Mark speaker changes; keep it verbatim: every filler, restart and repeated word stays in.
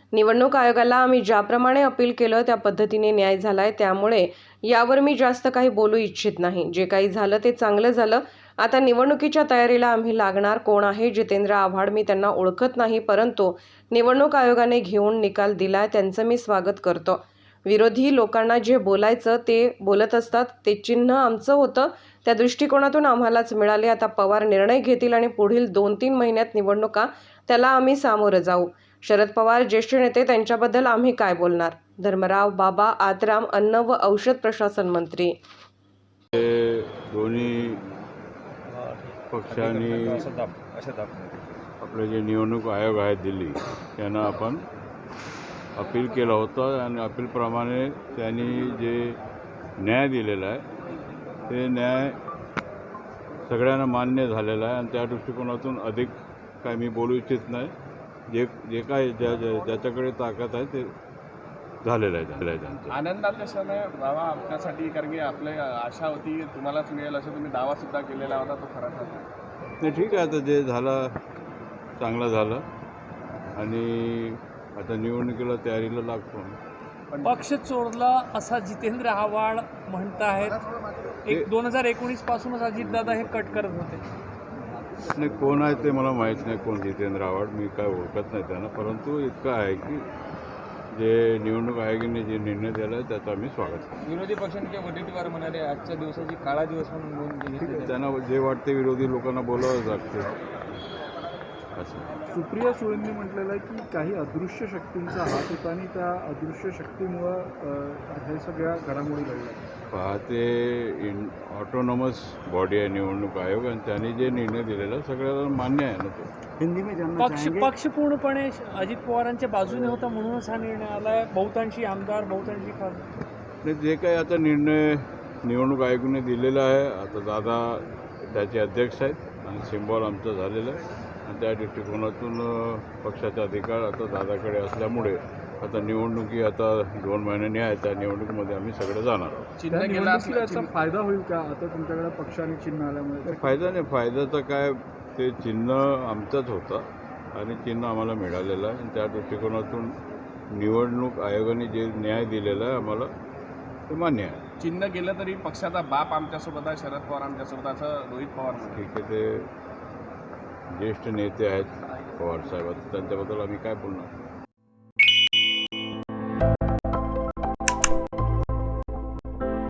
Speaker 1: निवडणूक आयोगाला आम्ही ज्याप्रमाणे अपील केलं त्या पद्धतीने न्याय झालाय, त्यामुळे यावर मी जास्त काही बोलू इच्छित नाही। जे काही झालं ते चांगलं झालं। आता निवडणुकीच्या तयारीला आम्ही लागणार। कोण आहे जितेंद्र आव्हाड मी त्यांना ओळखत नाही, परंतु निवडणूक आयोगाने घेऊन निकाल दिलाय त्यांचं मी स्वागत करतो। विरोधी लोकांना जे बोलायचं ते बोलत असतात, ते चिन्ह आमचं होतं, त्या दृष्टिकोनातून आम्हालाच मिळाले। आता पवार निर्णय घेतील आणि पुढील दोन तीन महिन्यात निवडणुका, त्याला आम्ही सामोरं जाऊ। शरद पवार ज्येष्ठ नेते, त्यांच्याबद्दल आम्ही काय बोलणार? धर्मराव बाबा आत्राम, अन्न व औषध प्रशासन मंत्री।
Speaker 2: दोन्ही पक्षांनी आपले जे निवडणूक आयोग आहे दिल्ली, त्यांना आपण अपील केलं होतं आणि अपीलप्रमाणे त्यांनी जे न्याय दिलेला आहे ते न्याय सगळ्यांना मान्य झालेला आहे आणि त्या दृष्टिकोनातून अधिक काय मी बोलू इच्छित नाही। जे जे काय ज्या ज्याच्याकडे ताकद आहे ते झालेलं आहे झालेलं आहे त्यांचं।
Speaker 3: आनंदाचा क्षण आहे बाबा आपल्यासाठी, कारण की आपली आशा होती तुम्हालाच मिळेल असं तुम्ही दावासुद्धा केलेला होता, तो खरा ठरला।
Speaker 2: नाही ठीक आहे, आता जे झालं चांगलं झालं आणि आता निवडणुकीला तयारीला लागतो।
Speaker 4: पक्ष चोरला असा जितेंद्र आव्हाड म्हणत आहेत। एक दोन हजार एकोणीस पासूनच अजितदादा हे कट करत होते।
Speaker 2: नाही, कोण आहे ते मला माहीत नाही, कोण जितेंद्र आव्हाड, मी काय ओळखत नाही त्यांना, परंतु इतकं आहे की जे निवडणूक आयोगाने जे निर्णय दिला आहे त्याचं आम्ही स्वागत करतो।
Speaker 3: विरोधी पक्षांच्या वटीटीवर म्हणाले आजच्या दिवसाची काळा दिवस म्हणून
Speaker 2: त्यांना जे वाटते विरोधी लोकांना बोलावं लागते।
Speaker 5: सुप्रिया सुळेंनी म्हटलेलं आहे की काही अदृश्य शक्तींचा हात होता आणि त्या अदृश्य शक्तीमुळं हे सगळ्या घडामोडी घडल्या।
Speaker 2: पाहते इन ऑटोनॉमस बॉडी आहे निवडणूक आयोग आणि त्यांनी जे निर्णय दिलेला सगळ्याला मान्य आहे ना। तो
Speaker 5: हिंदी में
Speaker 4: पक्ष पक्ष पूर्णपणे अजित पवारांच्या बाजूने होता म्हणूनच हा निर्णय आलाय। बहुतांशी आमदार, बहुतांशी खासदार,
Speaker 2: जे काही आता निर्णय निवडणूक आयोगाने दिलेला आहे, आता दादा त्याचे अध्यक्ष आहेत आणि सिम्बॉल आमचं झालेलं आहे आणि त्या दृष्टिकोनातून पक्षाचा अधिकार आता दादाकडे असल्यामुळे आता निवडणुकी आता दोन महिन्यांनी आहे, त्या निवडणुकीमध्ये आम्ही सगळे जाणार आहोत।
Speaker 5: चिन्ह गेला याचा फायदा होईल का आता तुमच्याकडे पक्षाने चिन्ह आल्यामुळे?
Speaker 2: फायदा नाही, फायद्याचं काय, ते चिन्ह आमचंच होतं आणि चिन्ह आम्हाला मिळालेलं आहे आणि त्या दृष्टिकोनातून निवडणूक आयोगाने जे न्याय दिलेला आहे आम्हाला ते मान्य आहे।
Speaker 3: चिन्ह गेलं तरी पक्षाचा बाप आमच्यासोबत आहे, शरद पवार आमच्यासोबत, असं रोहित पवार
Speaker 2: ठीक आहे, ते ज्येष्ठ नेते आहेत पवार साहेब, त्यांच्याबद्दल आम्ही काय बोलणार?